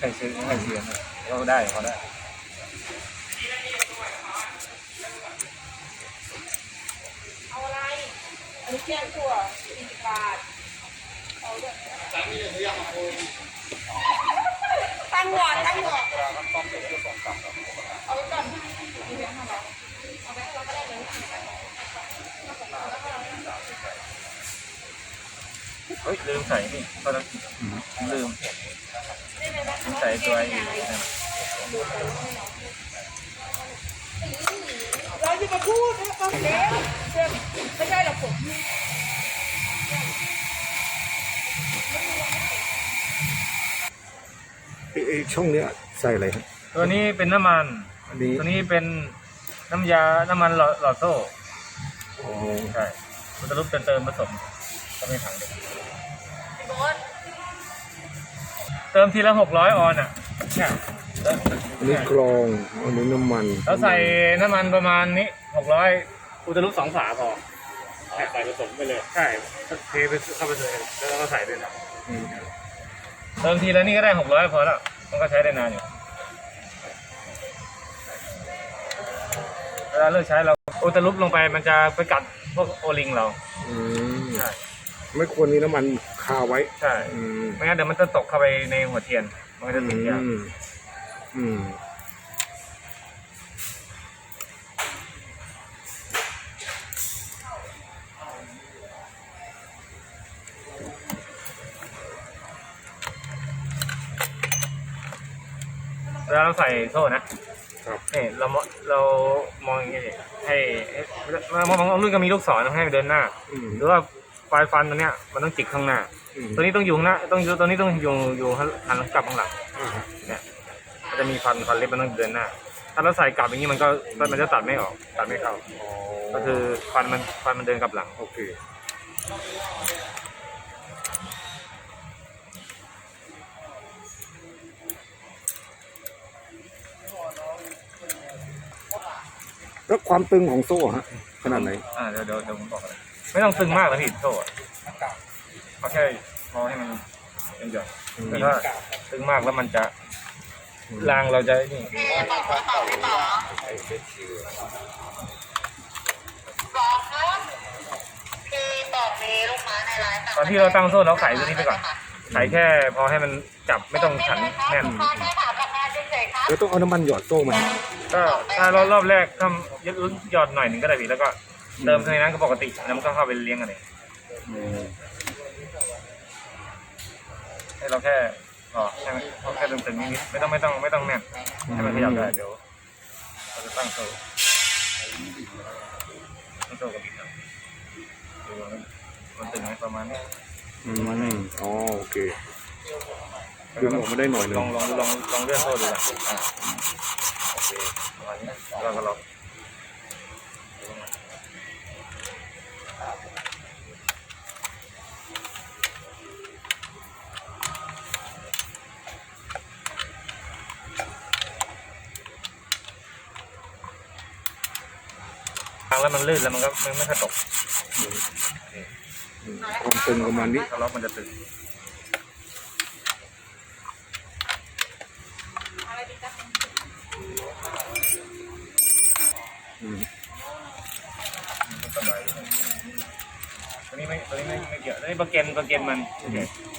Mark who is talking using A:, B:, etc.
A: ใครซื้อให้เสียงเขาได้เขาได้
B: เอาอะไรอันนี้เที่ยงตัว40 บาทเอาด้วยตั้งหลอดเอาไว้ก่อนมีแบงค์500เอาไปให้เราก็ได้เลย
A: เฮ้ยลืมใส่นี่ตอนนั้นลืมใส่ตัวอีก
B: เราจะมาพูดนะตอนเด็กไม่ใช่หรอกผม
C: ช่องเนี้ยใส่อะไรครับ
A: ตัวนี้เป็นน้ำมันตัวนี้เป็นน้ำมันหลอดโซ่ใช่มันจะรูปเติมผสมก็ไม่ถังเดียวเติมทีละ600 ออนอ่ะ
C: อันนี้กรองอันนี้น้ำมัน
A: แล้วใส่น้ำมันประมาณนี้600อุตลุ2 ฝาพอใส่ผสมไปเลยใช่เทไปเข้าไปเลยแล้วก็ใส่ด้วยนะเติมทีละนี่ก็ได้600พอแล้วมันก็ใช้ได้นานอยู่เวลาเลิกใช้เราอุตลุลงไปมันจะไปกัดพวกโอลิงเราใช่
C: ไม่ควรมีน้ำมันคาไว้
A: ใช่ไม่งั้นเดี๋ยวมันจะตกเข้าไปในหัวเทียนมันก็จะติดยางเวลาเราใส่โซ่นะนี่เรามองอย่างนี้ให้มองรุ่นก็มีลูกศรให้เดินหน้าหรือว่าปลายฟันตัวเนี้ยมันต้องจิกข้างหน้าตัวนี้ต้องอยู่ข้างหน้าตัวนี้ต้องอยู่หันกลับข้างหลังเนี่ยมันจะมีฟันเล็บมันต้องเดินหน้าถ้าเราใส่กลับอย่างนี้มันจะตัดไม่ออกตัดไม่เข้าก็คือฟันมันเดินกลับหลังโอเค
C: แล้วความตึงของโซ่ฮะขนาดไหน
A: เดี๋ยวผมบอกเลยไม่ต้องตึงมากนะพี่โซ่เอาแค่พอให้มันเป็นหย่อนแต่ถ้าตึงมากแล้วมันจะรางเราจะนี่ตอนที่เราตั้งโซ่เราไขตัวนี้ไปก่อนไขแค่พอให้มันจับไม่ต้องขันแน่น
C: แล้วต้องเอาน้ำมันหยอดโซ่ไหม
A: ก็ถ้ารอบแรกก็หยอดหน่อยหนึ่งก็ได้พี่แล้วก็เติมในนั้นก็ปกติแล้วมันก็เข้าไปเลี้ยงกันเองให้เราแค่แค่ตึงๆนิดๆไม่ต้องแน่นให้มันขยับได้เดี๋ยวเราจะตั้งโซ่กับบิดดูมันตึงไหมประมาณนี้
C: โอเคดึงออกมาได้หน่อยนึง
A: ลองเลื่อนโซ่ดูก่อนโอเคประมาณนี้แล้วก็ล็อกแล้วมันลื่นแล้วมันก็ไม่ค่อยตก
C: ความตึงประมาณนี้
A: ถ้าล็อกมันจะตึงตัวนี้ไม่เกี่ยวตัวนี้ประเก็นมัน